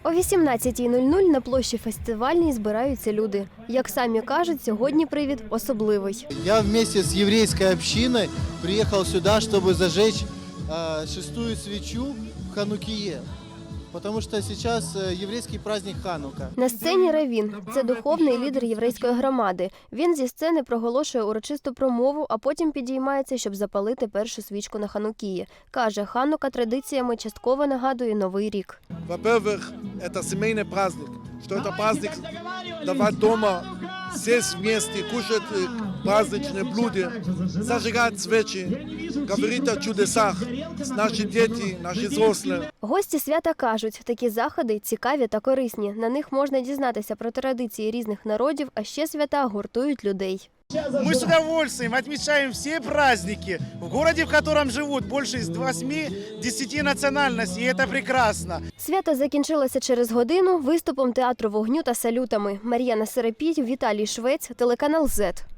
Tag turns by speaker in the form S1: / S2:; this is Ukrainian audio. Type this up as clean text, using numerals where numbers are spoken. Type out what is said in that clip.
S1: О 18:00 на площі Фестивальній збираються люди. Як самі кажуть, сьогодні привід особливий.
S2: Я вместе с еврейской общиной приехал сюда, чтобы зажечь шестую свечу в Ханукие. Потому что сейчас еврейский праздник Ханука.
S1: На сцені Равін – це духовний лідер єврейської громади. Він зі сцени проголошує урочисту промову, а потім підіймається, щоб запалити першу свічку на Ханукії. Каже, Ханука традиціями частково нагадує Новий рік.
S3: Во-первых, это семейный праздник. Что это праздник давать дома, сесть вместе, кушать праздничные блюда, зажигать свечи, говорить о чудесах. Наши дети, наши взрослые.
S1: Гості свята кажуть, такі заходи цікаві та корисні. На них можна дізнатися про традиції різних народів, а ще свята гуртують людей.
S4: Мы с удовольствием отмечаем все праздники в городе, в котором живут больше 8-10 национальностей, и это прекрасно.
S1: Свято закінчилося через годину виступом театру вогню та салютами. Мар'яна Серепій, Віталій Швець, телеканал ЗЕТ.